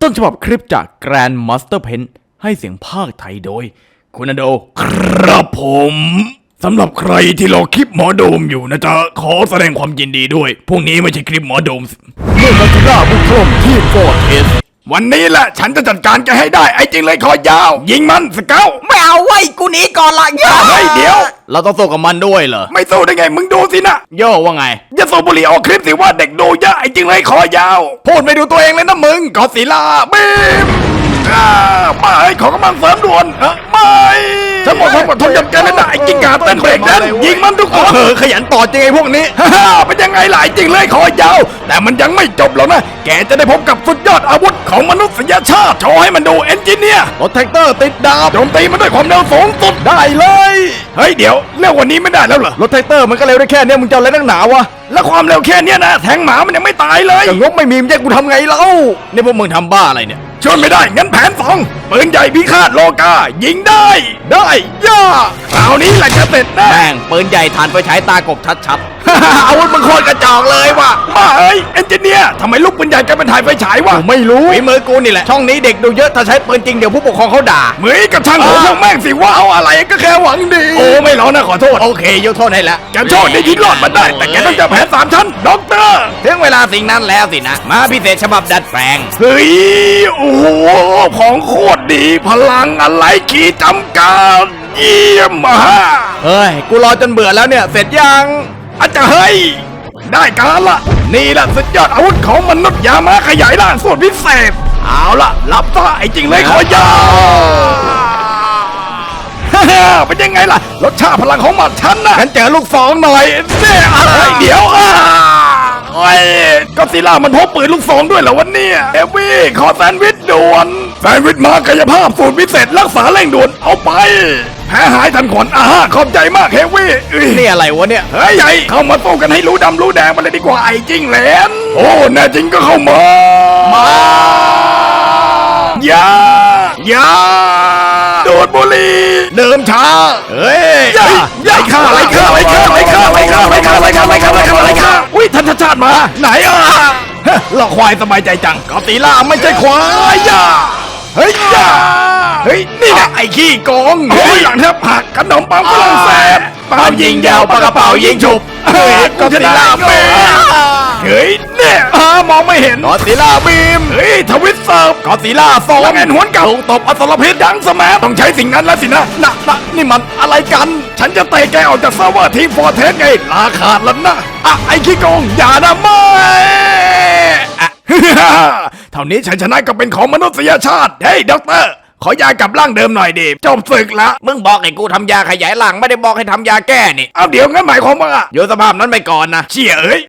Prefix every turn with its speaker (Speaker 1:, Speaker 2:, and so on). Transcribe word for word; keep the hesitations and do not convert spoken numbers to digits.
Speaker 1: ต้นฉบับคลิปจาก Grand Master Pen ให้เสียงภาคไทยโดยคุณอโดครับผมสำหรับใครที่รอคลิปหมอโดมอยู่นะจ๊ะขอแสดงความยินดีด้วยพวกนี้ไม่ใช่คลิปหมอโดมเมื่อมาทราบุกถล่มที่ฟอร์เทสวันนี้แหละฉันจะจัดการแกให้ได้ไอ้จริงเลยคอยาวยิงมันสเกล
Speaker 2: ไม่เอาไว้กูหนีก่อนละย่า
Speaker 1: เฮ้ยเดี๋ยวเราต้องสู้กับมันด้วยเหรอไม่สู้ได้ไงมึงดูสินะโย่ว่าไงอย่าสูบบุหรี่ออกคลิปสิว่าเด็กดูเยอะไอ้จริงเลยคอยาวพูดไม่ดูตัวเองเลยนะมึงกอศิลาบีมไม่ขอกำลังเสริมด่วนไม่ฉันหมดความอดทนกับแกแล้วนะไอ้กิ้งก่าเต้นเบรกนั้นยิงมันทุกคนเออขยันต่อจริงไอ้พวกนี้ฮ่าเป็นยังไงล่ะไอ้จริงเลยคอยาวแต่มันยังไม่จบหรอกนะแกจะได้พบกับสุดยอดอาวุธของมนุษยชาติโชว์ให้มันดูเอนจิเนียร์รถแท็กเตอร์ติดดาบโจมตีมันด้วยความเร็วสูงสุดได้เลยเฮ้ยเดี๋ยวเร็วกว่านี้ไม่ได้แล้วเหรอรถแท็กเตอร์มันก็เร็วได้แค่นี้มึงจะอะไรนักหนาวะแล้วความเร็วแค่นี้นะแทงหมามันยังไม่ตายเลยก็งบไม่มีมันจะกูทำไงเล่านี่พวกมึงทำบ้าอะไรเนี่ยช่วยไม่ได้งั้นแผนสองปืนใหญ่พิฆาตโลกายิงได้ได้ย่าคราวนี้แหละจะเสร็จแน่แม่งปืนใหญ่ฐานไฟฉายตากบชัดๆอาวุธมึงโคตรกระจอกเลยว่ะบ้าเอ้ยเอนจิเนียร์ทำไมลูกปืนใหญ่กลายเป็นถ่านไฟฉายวะไม่รู้ฝีมือกูนี่แหละช่องนี้เด็กดูเยอะถ้าใช้ปืนจริงเดี๋ยวผู้ปกครองเขาด่าเหมือนกับช่างหัวพวกแม่งสิว่าเอาอะไรก็แค่หวังดีโอ้ไม่ร้องนะขอโทษโอเคยกโทษให้ละแกโชคได้ยินรอดมาได้แต่แกต้องเจอแผนสามชั้นด็อกเตอร์ถึงเวลาสิ่งนั้นแล้วสินะมาพิเศษฉบับดัดแปลงเฮ้ยโอ้โหของโคตรดีพลังอะไรขีดจำกัดเยี่ยมมากเฮ้ยกูรอจนเบื่อแล้วเนี่ยเสร็จยังอาจจะเฮ้ยได้การละนี่แหละสุดยอดอาวุธของมนุษย์ยามาขยายร่างส่วนพิเศษเอาละรับซะไอ้จริงเลยขอยาวเป็นยังไงล่ะรสชาติพลังของหมัดฉันนะฉันเจอลูกสองหน่อยเนี่ยอะไรเดี๋ยวอ่ะโอ้ยก็ซิล่ามันพกปืนลูกสองด้วยเหรอวันนี้เอวี่ขอแซนด์วิชด่วนแซนด์วิชมากายภาพสูตรพิเศษรักษาเร่งด่วนเอาไปแพ้หายทันขวัญอาขอบใจมากเฮฟวี่นี่อะไรวะเนี่ยเฮ้ยใหญ่เข้ามาสู้กันให้รู้ดำรู้แดงมาเลยดีกว่าไอ้จริงเหลนโอ้แน่จริงก็เข้ามามาอย่าอย่าดูดบุหรี่เดิมช้าเฮ้ยอย่าอย่าฆ่าอะไรฆ่าอะไรฆ่าอะไรฆ่าอะไรฆ่าอะไรฆ่าอะไรฆ่าอะไรฆ่าอะไรฆ่าอะไรฆ่าอุ้ยท่านชาติมาไหนอ่ะเราควายสบายใจจังกอติล่าไม่ใช่ควายอย่าเฮ้ยอย่าเฮ้ยนี่นะไอ้ขี้โกงเฮ้ยหลังแทบหักขนมปังฝรั่งเศสเป่ายิงยาวปากกระเป๋ายิงฉุบเฮ้ยกอติล่าเป้เฮ้ยเนี่ยมองไม่เห็นกอติล่าบีมเฮ้ยทวิตเซิร์ฟกอติล่าโซนเงินหวนเก่าตบอสรพิษดังสมัยต้องใช้สิ่งนั้นแล้วสินะนะนะนี่มันอะไรกันฉันจะเตะแกออกจากเซิร์ฟเวอร์ทีฟอร์เทสไงลาขาดแล้วนะอ่ะไอ้ขี้โกงอย่านะไม่เท่านี้ชัยชนะก็เป็นของมนุษยชาติเฮ้ยด็อกเตอร์ขอยากลับร่างเดิมหน่อยดิจบศึกละมึงบอกให้กูทำยาขยายร่างไม่ได้บอกให้ทำยาแก้นี่เอาเดี๋ยวงั้นหมายความว่าอยู่สภาพนั้นไปก่อนนะเชี่ยเอ้ย